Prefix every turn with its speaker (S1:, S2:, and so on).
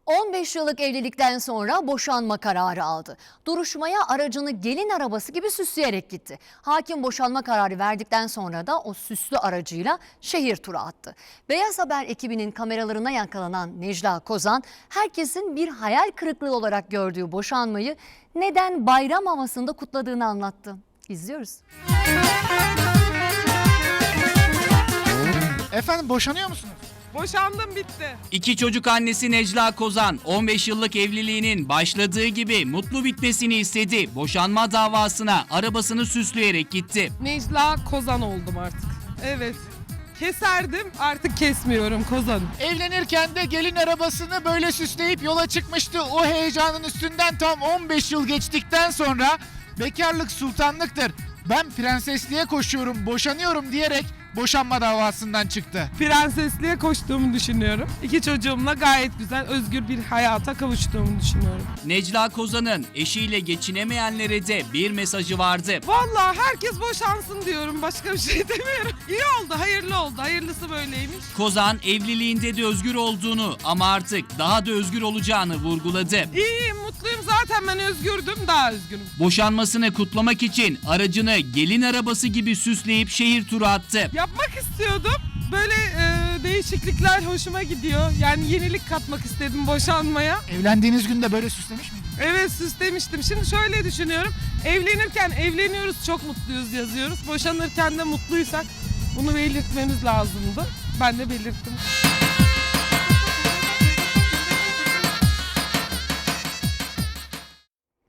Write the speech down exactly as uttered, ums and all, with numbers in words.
S1: on beş yıllık evlilikten sonra boşanma kararı aldı. Duruşmaya aracını gelin arabası gibi süsleyerek gitti. Hakim boşanma kararı verdikten sonra da o süslü aracıyla şehir turu attı. Beyaz Haber ekibinin kameralarına yakalanan Necla Kozan, herkesin bir hayal kırıklığı olarak gördüğü boşanmayı neden bayram havasında kutladığını anlattı. İzliyoruz.
S2: Efendim boşanıyor musunuz?
S3: Boşandım, bitti.
S4: İki çocuk annesi Necla Kozan on beş yıllık evliliğinin başladığı gibi mutlu bitmesini istedi. Boşanma davasına arabasını süsleyerek gitti.
S3: Necla Kozan oldum artık. Evet. Keserdim, artık kesmiyorum Kozan.
S2: Evlenirken de gelin arabasını böyle süsleyip yola çıkmıştı. O heyecanın üstünden tam on beş yıl geçtikten sonra bekarlık sultanlıktır. Ben prensesliğe koşuyorum, boşanıyorum diyerek boşanma davasından çıktı.
S3: Prensesliğe koştuğumu düşünüyorum. İki çocuğumla gayet güzel, özgür bir hayata kavuştuğumu düşünüyorum.
S4: Necla Kozan'ın eşiyle geçinemeyenlere de bir mesajı vardı.
S3: Vallahi herkes boşansın diyorum, başka bir şey demiyorum. İyi oldu, hayırlı oldu. Hayırlısı böyleymiş.
S4: Kozan evliliğinde de özgür olduğunu ama artık daha da özgür olacağını vurguladı.
S3: İyiyim, mutluyum. Zaten ben özgürdüm, daha özgürüm.
S4: Boşanmasını kutlamak için aracını gelin arabası gibi süsleyip şehir turu attı.
S3: Yapmak istiyordum. Böyle e, değişiklikler hoşuma gidiyor. Yani yenilik katmak istedim boşanmaya.
S2: Evlendiğiniz günde böyle süslemiş miydiniz?
S3: Evet, süslemiştim. Şimdi şöyle düşünüyorum. Evlenirken evleniyoruz, çok mutluyuz yazıyoruz. Boşanırken de mutluysak bunu belirtmemiz lazımdı. Ben de belirttim.